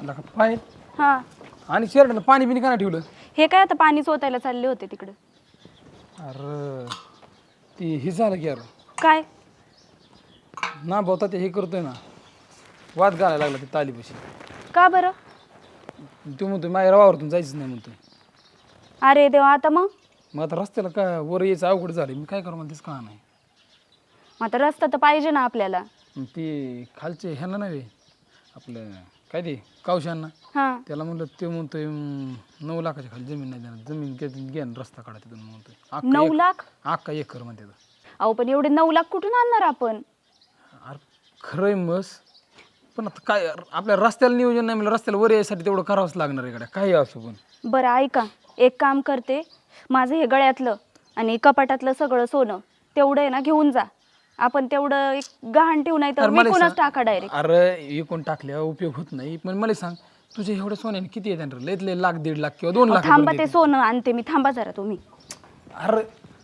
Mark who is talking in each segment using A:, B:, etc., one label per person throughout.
A: आला का पाय
B: हा
A: आणि शर्टला पाणी बिनी का नाही ठेवलं?
B: हे काय आता पाणी चोतायला चालले होते तिकडे.
A: अरे ती हे झालं की यार
B: काय
A: ना भावता ते हे करतोय ना वाद घालायला लागला ते तालीपाशी.
B: का बरं?
A: तू म्हणतोय माझ्या वावरतून जायचं नाही म्हणतोय.
B: अरे देवा, आता मग
A: आता रस्त्याला काय वर यायचं अवघड झालं, मी काय करू मला तेच का नाही.
B: आता रस्ता तर पाहिजे ना आपल्याला.
A: ती खालचे ह्यांना नाही आपलं काय ते कावशांना
B: हा
A: त्याला म्हणलं ते म्हणतोय 9 लाखाच्या खाली जमीन नाही देणार, जमीन घ्या रस्ता काढा तिथून म्हणतोय.
B: 9 लाख?
A: अख्खा एकर म्हणते.
B: अहो पण एवढे 9 लाख कुठून आणणार आपण?
A: अरे खरंय मस, पण आता काय आपल्या रस्त्याला नियोजन नाही, म्हणजे रस्त्याला वर यायसाठी तेवढं करावंच लागणार आहे. काही असो पण
B: बरं ऐका, एक काम करते, माझं हे गळ्यातलं आणि कपाटातलं सगळं सोनं तेवढं आहे ना घेऊन जा. आपण तेवढं एक गहाण ठेवू, नाही तर विकूनच टाका डायरेक्ट.
A: अरे विकून टाकल्यावर उपयोग होत नाही. पण मला सांग, तुझे एवढे सोन्याने किती येतात? लयत लय लाख 1.5 लाख किंवा 2 लाख.
B: थांबा, ते सोनं आणते मी, थांबा जरा तुम्ही.
A: अरे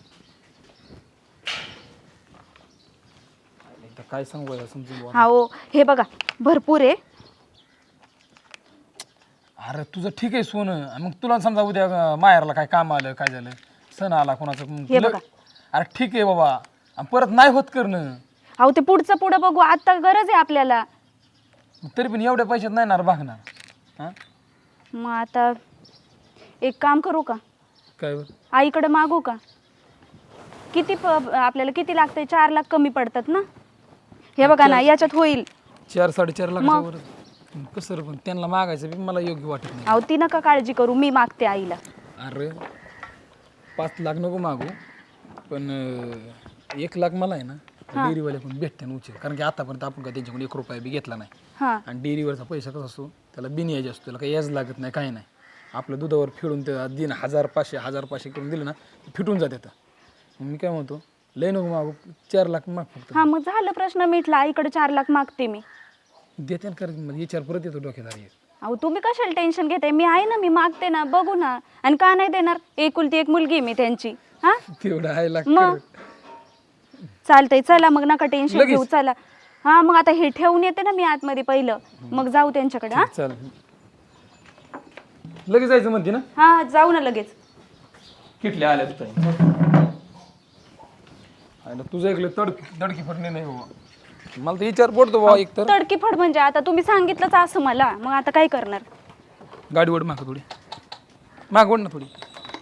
A: काय सांगू समजून.
B: हा हो, हे बघा भरपूर आहे.
A: अरे तुझं ठीक आहे सोनं, मग तुला समजा उद्या माहेरला काय काम आलं, काय झालं, सण आला कोणाचं,
B: हे बघा.
A: अरे ठीक आहे बाबा, परत नाही होत करणं.
B: अहो ते पुढं बघू, आता गरज आहे आपल्याला.
A: तरी पण एवढ्या पैशात नाही ना भागणार. हा
B: मग आता एक काम करू का,
A: काय
B: आईकडे मागू का? किती आपल्याला किती लागतंय? 4 लाख कमी पडतात ना. हे बघा ना, याच्यात होईल
A: 4-4.5 लाख. कसं पण त्यांना मागायचं मला योग्य वाटत नाही.
B: अहो ती नका काळजी करू, मी मागते आईला.
A: अरे 5 लाख नको मागू, पण 1 लाख मला आहे ना डेअरीवाले पण भेटते ना उचल. कारण की आतापर्यंत आपण काय त्यांच्याकडून 1 रुपया बी घेतला नाही. आणि डेअरीवरचा पैसा कसा असतो, त्याला बिनयाज असतो, त्याला काही याज लागत नाही, काही नाही. आपलं दुधावर फिरून ते दिन 1000-500 करून दिलं ना, फिटून जाते. मी काय म्हणतो, लय नको मागू, 4 लाख माग फक्त.
B: हा मग झालं, प्रश्न मिटला. आईकडे 4 लाख मागते मी.
A: देते ना, कारण विचार परत येतो डोक्यात.
B: अहो तुम्ही कशाला टेन्शन घेताय? मी आहे ना, मी मागते ना, बघू ना. आणि का नाही देणार? एकुलती एक मुलगी मी त्यांची. हा
A: तेवढं आहे लाख.
B: मग चालतंय, चला मग, नका टेन्शन घेऊ, चला. हा मग आता हे ठेवून येते ना मी आतमध्ये पहिलं, मग जाऊ त्यांच्याकडे. हा
A: चल, लगेच जायचं म्हणते ना.
B: हा जाऊ ना लगेच.
A: किटल्या आल्या तुझं ऐकलं तडकी फटणे नाही बाबा. मला तर विचार पडतो बाबा. एक तर
B: तडकी फड म्हणजे आता तुम्ही सांगितलंच असं मला, मग आता काय करणार?
A: गाडी ओढ माग थोडी, माग ओढ ना थोडी.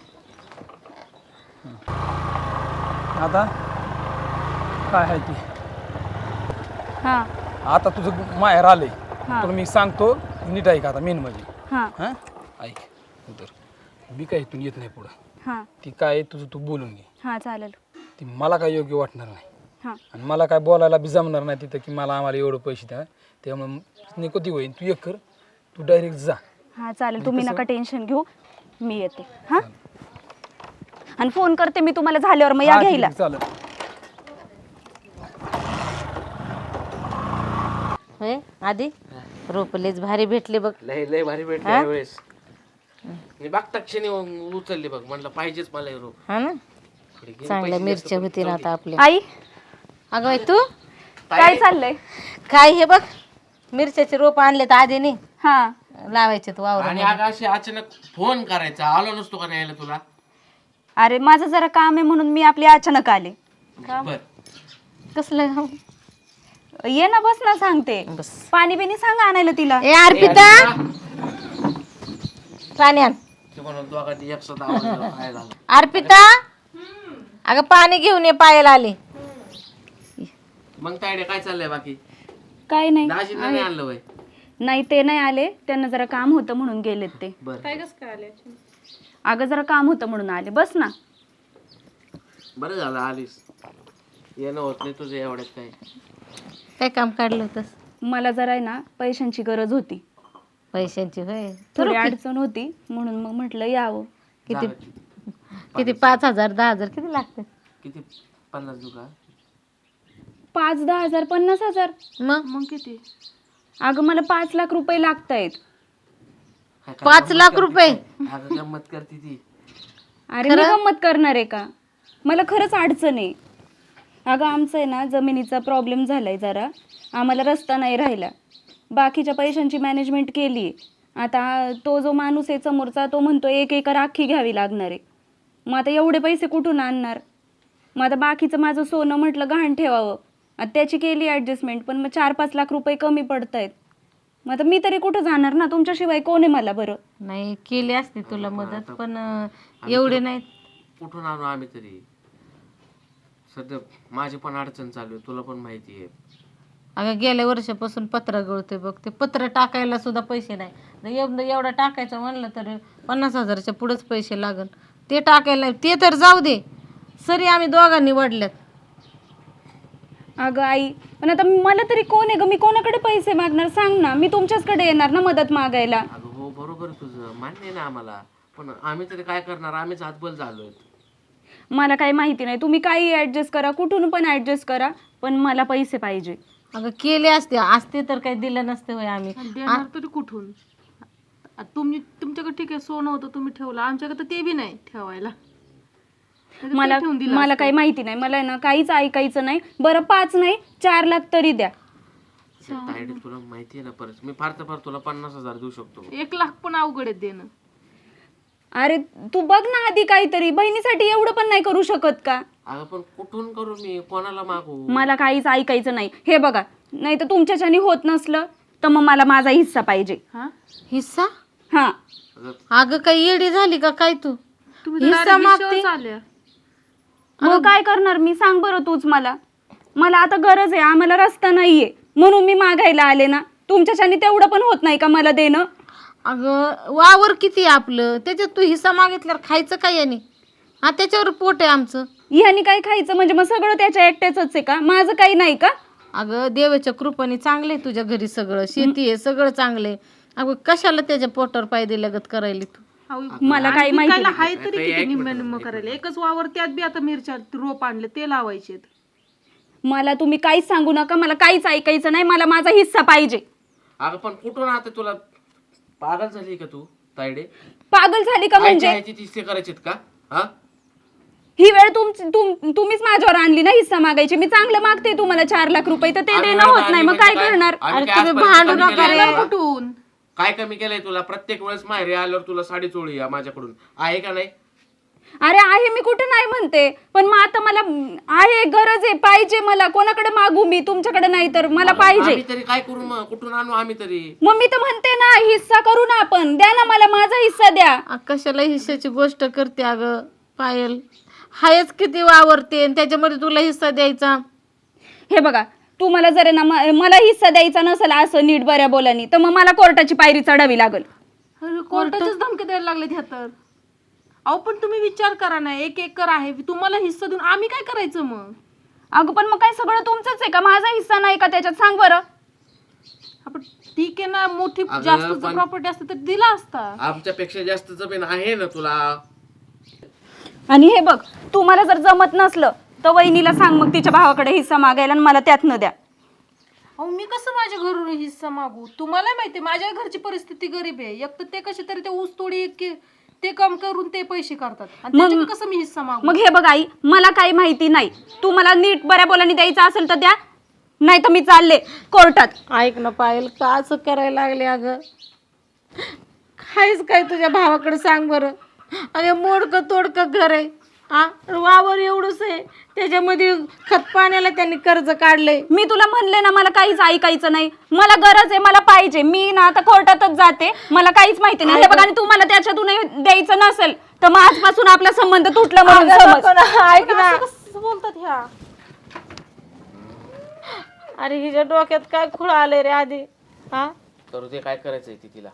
A: आता काय आहे ती?
B: हा
A: आता तुझं माहेर आलंय, तर मी सांगतो नीट ऐक. आता मेन म्हणजे
B: हा
A: ऐक, तर मी काय इथून येत नाही पुढं.
B: हा
A: ती काय तुझं तू बोलून घे.
B: हा चालेल.
A: ती मला काय योग्य वाटणार नाही.
B: हा
A: आणि मला काय बोलायला बी जमणार नाही तिथं की मला आम्हाला एवढं पैसे द्या. त्यामुळे निकोती होईल. तू एक कर, तू डायरेक्ट जा.
B: हा चालेल, तुम्ही नका टेन्शन घेऊ, मी येते. हा आणि फोन करते मी तुम्हाला झाल्यावर, मग या घ्यायला.
A: चालेल.
C: होय आधी रोपलेच भारी भेटले बघ.
D: लय भारी भेटले यावेळेस. मी बघता क्षणी उचलली बघ, म्हणलं पाहिजेच मला हे रोप.
C: हा ना, चांगल्या मिरच्या होती ना आता आपल्या.
B: आई,
C: अगं बाई तू
B: काय चाललंय?
C: काय हे बघ, मिरच्याचे रोप आणले तर आधीने
B: हा
C: लावायचे तू वावर.
D: आणि अगं अशी अचानक फोन करायचा, आलो नसतो का न्यायला तुला?
B: अरे माझं जरा काम आहे म्हणून मी आपली अचानक आले.
D: बर
C: कसलं?
B: ये ना, बस ना, सांगते.
C: बस.
B: पाणी बिनी सांगा आणायला तिला.
C: ए अर्पिता, पाणी आण.
D: ते म्हणून दोघांनी एकसाथ आवाज दिला, काय झालं?
C: अर्पिता, अगं पाणी घेऊन ये, पायाला आले.
D: मग तायडे काय चाललंय बाकी?
B: काय नाही.
D: दाजींना नाही आणलं वय?
B: नाही, ते नाही आले, त्यांना जरा काम होतं म्हणून गेलेत ते. अगं जरा काम होतं म्हणून आले. बस ना.
D: बरं झालं आलीस, येणं होत नाही तुझं एवढ्यात.
C: काय काम काढलं होतंस?
B: मला जरा आहे ना पैशांची गरज होती,
C: पैशांची. होय,
B: थोडी अडचण होती, म्हणून मग म्हटलं यावं.
C: किती किती 5,000 10,000 किती लागते?
D: किती? 50 दुका?
B: 5-10 हजार, 50,000?
C: मग
B: किती? अगं मला 5 लाख रुपये लागतायत.
C: 5 लाख रुपये?
D: अगं गंमत करते ती.
B: अरे मी गंमत करणार आहे का? मला खरंच अडचण आहे. अगं आमचं आहे ना जमिनीचा प्रॉब्लेम झालाय जरा, आम्हाला रस्ता नाही राहिला, बाकीच्या पैशांची मॅनेजमेंट केली आहे. आता तो जो माणूस आहे समोरचा तो म्हणतो 1 एकर अख्खी घ्यावी लागणार आहे. मग आता एवढे पैसे कुठून आणणार? मग आता बाकीचं माझं सोनं म्हटलं गहाण ठेवावं, आता त्याची केली ॲडजस्टमेंट, पण मग 4-5 लाख रुपये कमी पडत आहेत. मग आता मी तरी कुठं जाणार ना, तुमच्याशिवाय कोण आहे मला बरं?
C: नाही केली असते तुला मदत, पण एवढे नाही.
D: कुठून आणू आम्ही तरी? सध्या माझी पण अडचण चालू आहे, तुला पण माहिती आहे.
C: अगं गेल्या वर्षापासून पत्र गळते बघ, ते पत्र टाकायला सुद्धा पैसे नाही. एवढं टाकायचं म्हणलं तर 50,000च्या पुढेच पैसे लागल. ते टाकायला ते तर जाऊ दे, सरी आम्ही दोघांनी वडल्यात.
B: अगं आई, पण आता मला तरी कोण आहे ग? मी कोणाकडे पैसे मागणार सांग ना? मी तुमच्याचकडे येणार ना मदत मागायला.
D: अगं हो बरोबर आहे तुझं, मान्य आहे ना आम्हाला, पण आम्ही तरी काय करणार? आम्हीच हातबल झालोय.
B: मला काही माहिती नाही, तुम्ही काही ॲडजस्ट करा, कुठून पण ॲडजस्ट करा, पण मला पैसे पाहिजे.
C: अगं केले असते तर काही दिलं नसते होय आम्ही.
E: देणार तरी कुठून? तुम्ही तुमच्याकडे ठीक आहे सोनं होतं तुम्ही ठेवलं, आमच्याकडे तर ते बी नाही ठेवायला.
B: मला काही माहिती नाही, मला ना काहीच ऐकायचं नाही. बरं 5 नाही 4 लाख तरी द्या.
D: तायडे तुला माहिती आहे ना, परत मी फार तर फार तुला 50,000 देऊ शकतो.
E: 1 लाख पण अवघड आहे देणं.
B: अरे तू बघ ना आधी काहीतरी, बहिणीसाठी एवढं पण नाही करू शकत का?
D: अगं पण कुठून करू मी? कोणाला मागू?
B: मला काहीच ऐकायचं नाही. हे बघा, नाही तर तुमच्याच्याने होत नसलं तर मग मला माझा हिस्सा पाहिजे.
C: हिस्सा?
B: हा.
C: अगं काही येडी झाली का काय तू?
E: तुम्ही
C: हिस्सा मागते?
E: आल्या
B: मग काय करणार मी? सांग बरं तूच मला. मला आता गरज आहे, आम्हाला रस्ता नाहीये म्हणून मी मागायला आले ना. तुमच्याच्याने तेवढं पण होत नाही का मला देणं?
C: अगं वावर किती आहे आपलं, त्याच्यात तू हिस्सा मागितल्यावर खायचं काय याने? हा त्याच्यावर पोट आहे आमचं.
B: ह्यानी काय खायचं म्हणजे मग सगळं त्याच्या एकट्याच आहे का? माझं काही नाही का?
C: अगं देवाच्या कृपेने चांगले तुझ्या घरी सगळं, शेती आहे सगळं चांगले. अगं कशाला त्याच्या पोटावर पाय दिल्यागत करायली तू?
B: मला काही माहिती नाही.
E: हाय तरी किती निम्म करायला. एकच वावर त्यात बी आता मिरच्या रोप आणले ते लावायचे.
B: मला तुम्ही काहीच सांगू नका, मला काहीच ऐकायचं नाही. मला माझा हिस्सा पाहिजे.
D: अगं पण कुठून आता? तुला पागल झाली का तू तायडे?
B: पागल झाली का म्हणजे?
D: तिसरे करायचे का? हा
B: ही वेळ तुम्हीच माझ्यावर आणली ना हिस्सा मागायची. मी चांगलं मागते तुम्हाला 4 लाख रुपये, तर ते देणं होत नाही, मग काय करणार?
C: अरे तुम्ही भांडू नका रे.
E: कुठून
D: काय कमी केलंय तुला? प्रत्येक वेळेस माहेरी आल्यावर तुला साडी चोळी माझ्याकडून आहे का नाही?
B: अरे आहे, मी कुठं नाही म्हणते, पण मग आता मला आहे, गरज आहे, पाहिजे मला. कोणाकडे मागू मी? तुमच्याकडे नाही तर मला पाहिजे.
D: आम्ही तरी काय करू मग? कुठून आणू आम्ही तरी?
B: मग मी तर म्हणते ना हिस्सा करू ना आपण. द्या ना मला माझा हिस्सा द्या.
C: कशाला हिस्साची गोष्ट करते अगं पायल? हायच किती वावरते आणि त्याच्यामध्ये तुला हिस्सा द्यायचा?
B: हे बघा, तुम्हाला जर ना मला हिस्सा द्यायचा नसेल असं नीट बऱ्या बोलानी, तर मग मला कोर्टाची पायरी चढावी लागल.
E: कोर्टाचीच धमकी द्यायला लागले ह्या तर. अहो पण तुम्ही विचार करा ना, 1 एकर आहे तुम्हाला हिस्सा देऊन आम्ही काय करायचं मग?
B: अगं पण मग काय सगळं तुमचंच आहे का? माझा हिस्सा नाही का त्याच्यात? सांग बरं.
E: आपण ठीक आहे ना, मोठी जास्त प्रॉपर्टी असते तर दिला असता.
D: आमच्यापेक्षा जास्त जमीन आहे ना तुला.
B: आणि हे बघ, तुम्हाला जर जमत नसलं तर वहिनीला सांग मग तिच्या भावाकडे हिस्सा मागायला आणि मला त्यात न द्या.
E: अहो मी कसं माझ्या घरून हिस्सा मागू? तुम्हाला माहिती माझ्या घरची परिस्थिती गरीब आहे. एक तर ते कसे तरी ते ऊस तोडी ते काम करून ते पैसे करतात आणि त्याच्यात कसं मी हिस्सा मागू?
B: मग हे बघ आई, मला काही माहिती नाही. तू मला नीट बऱ्या बोलानी द्यायचं असेल तर द्या, नाही तर मी चालले कोर्टात.
C: ऐक ना पायल, का असं करायला लागले अगं? खायच काय तुझ्या भावाकडे सांग बरं? अरे मोडकं तोडकं घर आहे, हा वावर एवढंच आहे, त्याच्यामध्ये खत पाण्याला त्यांनी कर्ज काढलंय.
B: मी तुला म्हणले ना मला काहीच ऐकायचं नाही. मला गरज आहे, मला पाहिजे. मी ना आता कोर्टातच जाते, मला काहीच माहिती नाही. हे बघा, आणि तू मला त्याच्यातून द्यायचं नसेल तर मग आजपासून आपला संबंध तुटला म्हणून समज.
C: ऐक ना,
E: कसं बोलतात ह्या?
C: अरे हिच्या डोक्यात काय खुळ आले रे आधी? हा
D: करू दे, काय करायचंय ती तिला.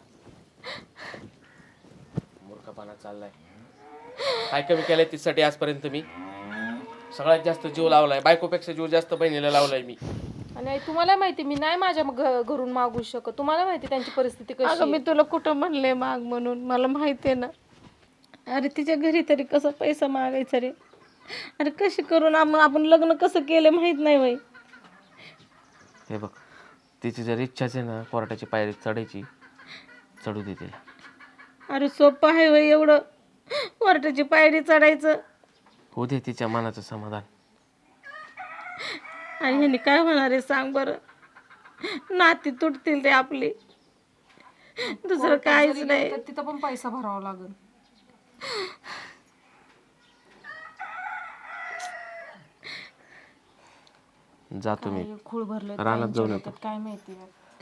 D: मूर्खपणा चाललाय. काय कमी केलंय तिच्यासाठी आजपर्यंत? मी सगळ्यात जास्त जीव लावलाय, बायकोपेक्षा जीव जास्त बहिणीला लावलाय मी.
E: आणि तुम्हाला माहिती मी नाही माझ्या घरून मागू शकत. तुम्हाला माहिती त्यांची परिस्थिती कशी
C: अगं मी तुला कुठं म्हणले माग म्हणून? मला माहिती आहे ना. अरे तिच्या घरी तरी कसं पैसा मागायचा रे? अरे कशी करून आपण लग्न कसं केलं माहित नाही बाई.
D: हे बघ, तिची जर इच्छाच आहे ना कोर्टाची पायरी चढायची, चढू दे तिला.
C: अरे सोपं आहे बाई एवढं कोर्टाची पायरी चढायचं?
D: होऊ दे तिच्या मनाचं समाधान.
C: आणि ह्याने काय होणार आहे सांग बरं? नाती तुटतील रे आपली. दुसरं काहीच नाही.
E: तर तिथं पण पैसा भरावा लागेल.
D: जातो मी
E: खूळ भरलं
D: रानात जाऊन येतो.
E: काय माहिती.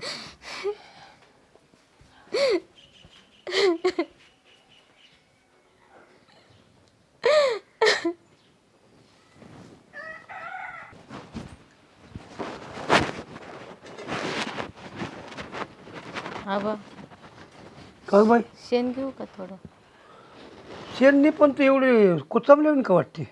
C: आबा
F: काय बाई
C: शेण घेऊ का थोडं?
F: शेणनी पण ते एवढे कुचामले का वाटते?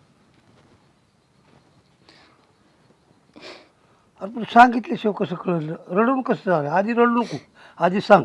F: अरे पण सांगितल्याशिवाय कसं कळलं? रडून कसं झालं? आधी रडू नको, आधी सांग.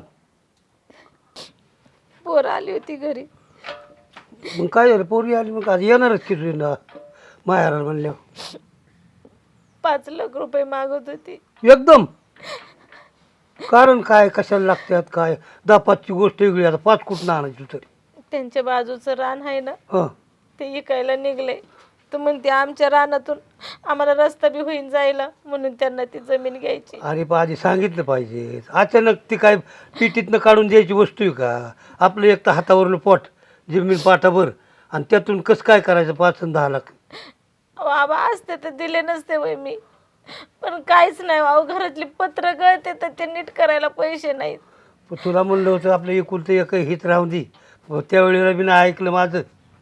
C: पोर आली होती घरी.
F: मग काय झालं? पोरी आली मग आज येणारच की तुझ्या माहेराला म्हणल्यावर.
C: 5 लाख रुपये मागत होती.
F: एकदम कारण काय, कशाला लागतात काय? 10-5ची गोष्ट वेगळी, आता 5 कुठं आणायची तरी.
C: त्यांच्या बाजूचं रान आहे ना,
F: हां
C: ते इकायला निघले. तर म्हणते आमच्या रानातून आम्हाला रस्ता बी होईन जायला, म्हणून त्यांना ती जमीन घ्यायची.
F: अरे पण आधी सांगितलं पाहिजे. अचानक ती काय पिटीतनं काढून द्यायची वस्तू आहे का? आपलं एक तर हातावरलं पोट, जमीन पाठाभर, आणि त्यातून कसं काय करायचं 5 आणि 10 लाख?
C: अहो आबा असते तर दिले नसते वय मी, पण काहीच नाही. अहो घरातली पत्र गळते तर ते नीट करायला पैसे नाहीत.
F: पण तुला म्हणलं होतं आपलं एकुलतं एक हित राहून दे. त्यावेळेला मी नाही ऐकलं माझं.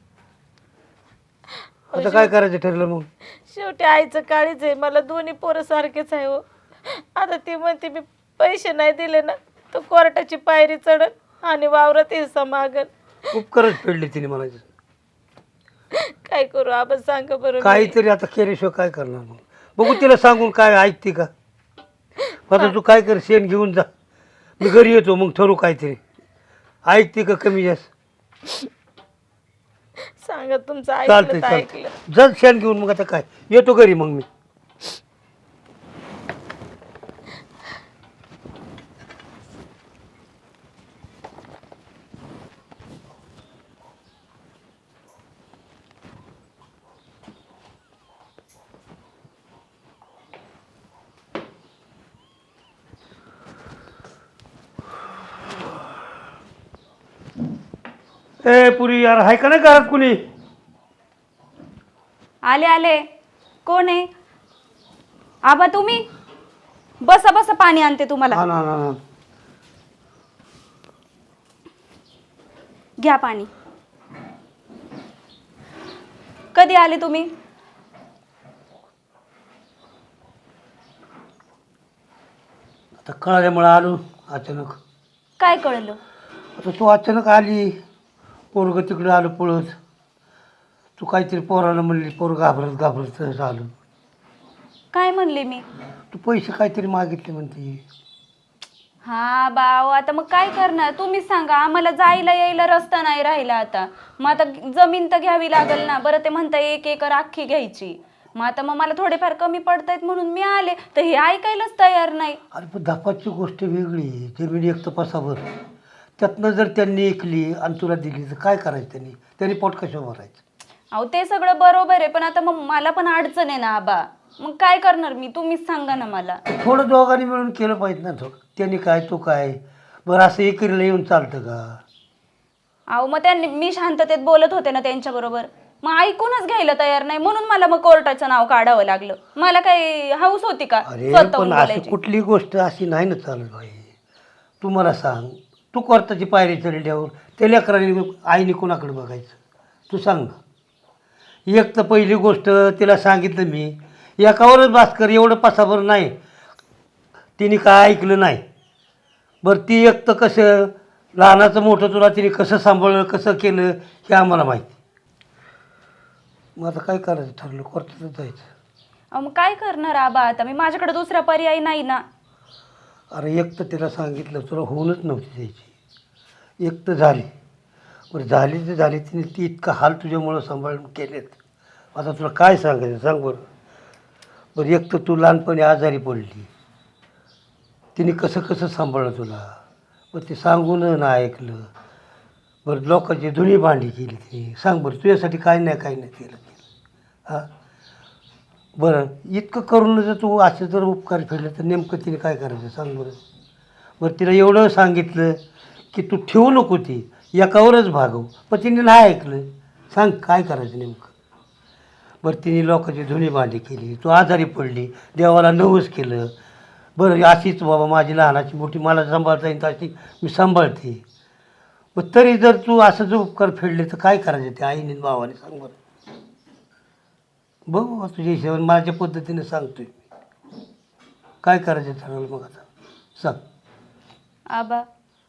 F: आता काय करायचं ठरलं मग?
C: शेवटी आईचं काळीच आहे. मला दोन्ही पोरं सारखेच आहे हो. आता ती म्हणते मी पैसे नाही दिले ना तर कोर्टाची पायरी चढल आणि वावरात हिस्सा मागल.
F: उपकारच फेडले तिने म्हणायचं.
C: काय करू आबा सांगा बरं.
F: काहीतरी आता केल्याशिवाय काय करणार मग? बघू तिला सांगून काय ऐकते का? आता तू काय कर, शेण घेऊन जा, मी घरी येतो, मग ठरू काहीतरी. ऐकते का कमी जास्त?
C: सांगा तुमचं
F: चालतंय
C: ऐकलं तर ऐकलं.
F: चालतंय, जर शेण घेऊन मग आता काय येतो घरी मग मी. ए पुरी यार, आहे का नाही घरात कुणी?
B: आले आले. कोण आहे? आबा तुम्ही बसा बसा, पाणी आणते तुम्हाला.
F: हा ना ना ना.
B: घ्या पाणी. कधी आले तुम्ही?
F: आता कळाल्यामुळे आलो अचानक.
B: काय कळलं?
F: आता तू अचानक आली, पोरग तिकडे आलं पळत. तू काहीतरी पोराला म्हणली, पोर घाबरत घाबरत झालं.
B: काय म्हणले मी?
F: तू पैसे काहीतरी मागितले म्हणते.
B: हा बाव, आता मग काय करणार तुम्हीच सांगा. आम्हाला जायला यायला रस्ता नाही राहिला आता. मग आता जमीन तर घ्यावी लागेल ना. बरं ते म्हणता 1 एकर अख्खी घ्यायची. मग मला थोडेफार कमी पडतायत म्हणून मी आले, तर हे ऐकायलाच तयार नाही.
F: अरे पण 10-5ची गोष्ट वेगळी. जमीन एक तपासावर, त्यातनं जर त्यांनी ऐकली आणि तुला दिली तर काय करायचं? त्यांनी पोट कशावर भरायचं?
B: अहो ते सगळं बरोबर आहे, पण आता मग मला पण अडचण आहे ना आबा. मग काय करणार मी? तुम्हीच सांगा ना मला.
F: थोडं दोघांनी मिळून केलं पाहिजे ना. त्यांनी काय तू काय. बरं असं एकीला येऊन चालतं का?
B: अहो मग त्यांनी, मी शांततेत बोलत होते ना त्यांच्याबरोबर, मग ऐकूनच घ्यायला तयार नाही, म्हणून मला मग कोर्टाचं नाव काढावं लागलं. मला काही हाऊस होती का
F: अरे
B: स्वतःहून
F: पण असं
B: बोलायची?
F: कुठली गोष्ट अशी नाही ना चालत बाई. तू मला सांग, तू कोर्टाची पायरी चढल्यावर त्या लेकरांनी आईने कोणाकडे बघायचं? तू सांग ना. एक तर पहिली गोष्ट तिला सांगितलं मी, एकावरच भास्कर एवढं पसाभर नाही. तिने काय ऐकलं नाही. बरं ती एक तर कसं लहानाचं मोठं तुला तिने कसं सांभाळलं, कसं केलं हे आम्हाला माहिती. मग आता काय करायचं ठरलं? कोर्टातच जायचं.
B: अहो मग काय करणार आबा आता मी? माझ्याकडे दुसरा पर्याय नाही ना.
F: अरे एक तर तिला सांगितलं, तुला होऊनच नव्हती द्यायची. एक तर झाली. बरं झाली तर झाली, तिने ती इतका हाल तुझ्यामुळं सांभाळून केलेत. आता तुला काय सांगायचं सांग बरं. बरं एक तर तू लहानपणी आजारी पडली, तिने कसं कसं सांभाळलं तुला. बरं ते सांगून ना ऐकलं. बरं लोकांची धुणी भांडी केली तिने. सांग बरं तुझ्यासाठी काय नाही केलं. हां बरं इतकं करून जर तू असं जर उपकार फेडले तर नेमकं तिने काय करायचं सांग बरं. बरं तिला एवढं सांगितलं की तू ठेवू नको ती एकावरच भागव, पण तिने नाही ऐकलं. सांग काय करायचं नेमकं. बरं तिने लोकांची धुणी भांडी केली, तू आजारी पडली, देवाला नवस केलं. बरं अशीच बाबा माझी लहानाची मोठी मला सांभाळता येईल अशी मी सांभाळते. मग तरी जर तू असं जर उपकार फेडले तर काय करायचं त्या आईने भावाने सांग बरं. बघू बा तुझ्या हिशोबाने माझ्या पद्धतीने सांगतोय काय करायचं ठरवलं मग आता सांग.
B: आबा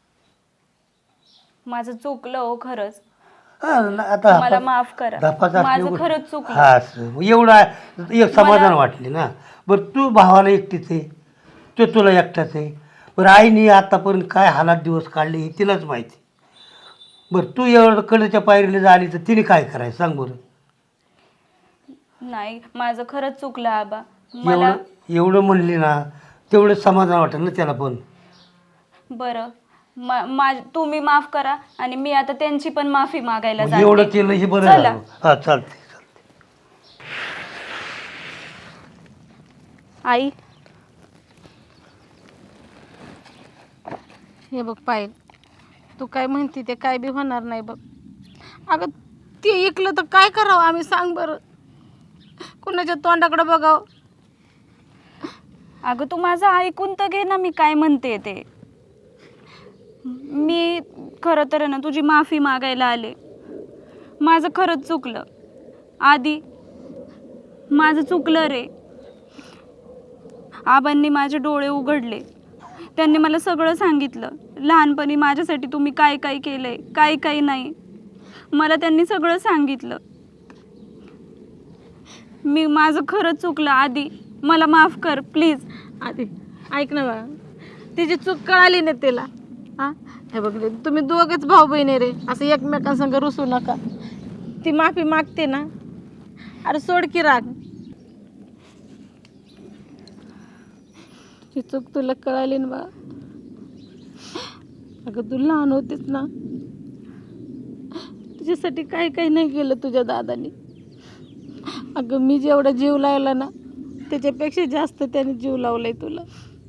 B: माझं चुकलं हो खरंच.
F: हां आता
B: मला माफ करा.
F: धापाचा
B: माझं खरंच चुकलं.
F: हा असं मग एवढं एक समाधान वाटले ना. बरं तू भावाला एकटीच आहे, तो तुला एकटाच आहे. बरं आईने आतापर्यंत काय हालात दिवस काढले हे तिलाच माहिती. बरं तू एवढं कडेच्या पायरीला झाली तर तिने काय करायचं सांग बरं.
B: नाही माझं खरंच चुकलं आबा. मला
F: एवढं म्हणली ना तेवढं समाधान वाटेल ना त्याला पण.
B: बरं तुम्ही माफ करा आणि मी आता त्यांची पण माफी मागायला
F: मग एवढं
B: जाते.
F: केलं हे बरं
B: चला.
F: झालं. हा चालते.
B: आई
C: हे बघ पायल, तू काय म्हणते ते काय बी होणार नाही बघ. अगं ते ऐकलं तर काय करावं आम्ही सांग बरं. कुणाच्या तोंडाकडे बघावं.
B: अगं तू माझं ऐकून तर घे ना मी काय म्हणते ते. मी खरं तर ना तुझी माफी मागायला आले. माझं खरंच चुकलं आधी. माझं चुकलं रे. आबांनी माझे डोळे उघडले. त्यांनी मला सगळं सांगितलं. लहानपणी माझ्यासाठी तुम्ही काय काय केलंय काय काय नाही मला त्यांनी सगळं सांगितलं. माझं खरंच चुकलं आधी. मला माफ कर प्लीज.
C: आधी ऐक ना बा, तिची चूक कळाली ना तिला. हां हे बघ रे, तुम्ही दोघंच भाऊ बहिणी रे, असं एकमेकांसंग रुसू नका. ती माफी मागते ना, अरे सोड की राग. तुझी चूक तुला कळाली ना बा. अगं तू लहान होतीस ना, तुझ्यासाठी काय काय नाही केलं तुझ्या दादानी. अगं मी जेवढा जीव लावला ना त्याच्यापेक्षा जास्त त्याने जीव लावलाय तुला.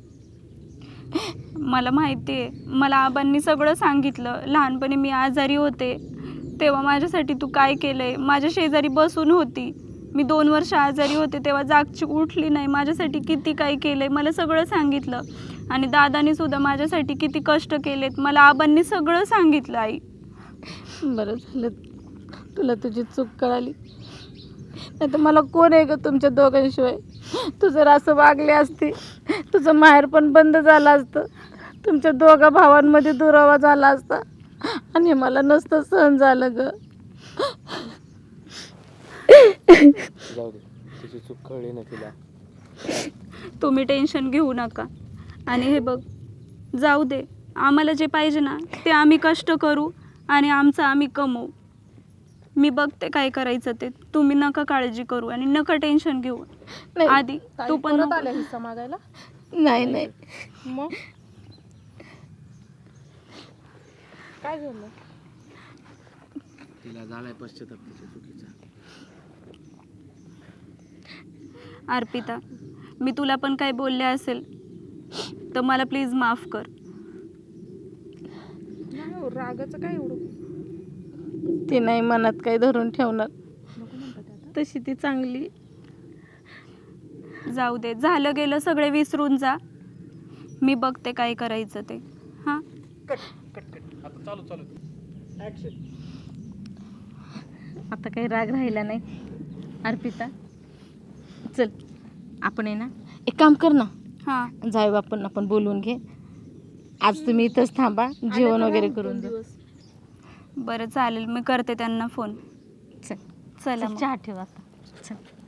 B: मला माहिती आहे. मला आबांनी सगळं सांगितलं. लहानपणी मी आजारी होते तेव्हा माझ्यासाठी तू काय केलंय. माझ्या शेजारी बसून होती मी. 2 वर्ष आजारी होते तेव्हा जागची उठली नाही. माझ्यासाठी किती काय केलंय मला सगळं सांगितलं. आणि दादानी सुद्धा माझ्यासाठी किती कष्ट केलेत मला आबांनी सगळं सांगितलं. आई
C: बरं झालं तुला तुझी चूक कळाली. नाही तर मला कोण आहे ग तुमच्या दोघांशिवाय. तू जर असं वागले असते तुझं माहेर पण बंद झालं असतं. तुमच्या दोघा भावांमध्ये दुरावा झाला असता आणि मला नसतं सहन झालं ग.
D: जाऊ दे, तिची चूक कळली ना तिला.
B: तुम्ही टेन्शन घेऊ नका. आणि हे बघ जाऊ दे. आम्हाला जे पाहिजे ना ते आम्ही कष्ट करू आणि आमचं आम्ही कमवू. मी बघते काय करायचं ते. तुम्ही नका काळजी करू आणि नका टेन्शन घेऊ. आधी तू पण
E: परत
B: नको.
E: आल्या हिस्सा मागायला.
C: नाही नाही
E: मग काय झालं.
D: तिला झालाय पश्चाताप तिच्या चुकीचा.
B: अर्पिता मी तुला पण काय बोलले असेल तर मला प्लीज माफ कर.
E: नाही हो, रागाचं काय एवढं.
C: ती नाही मनात काही धरून ठेवणार. तशी ती चांगली.
B: जाऊ दे. झालं गेलं सगळे विसरून जा. मी बघते काय करायचं ते. हां
C: आता काही राग राहिला नाही. अर्पिता चल आपण आहे ना एक काम कर ना.
B: हां
C: जाऊ आपण बोलून घे. आज तुम्ही इथंच थांबा, जेवण वगैरे करून जा.
B: बरं चालेल. मी करते त्यांना फोन.
C: चल
B: चला
C: चल
B: मग.
C: चहा ठेव आता. चल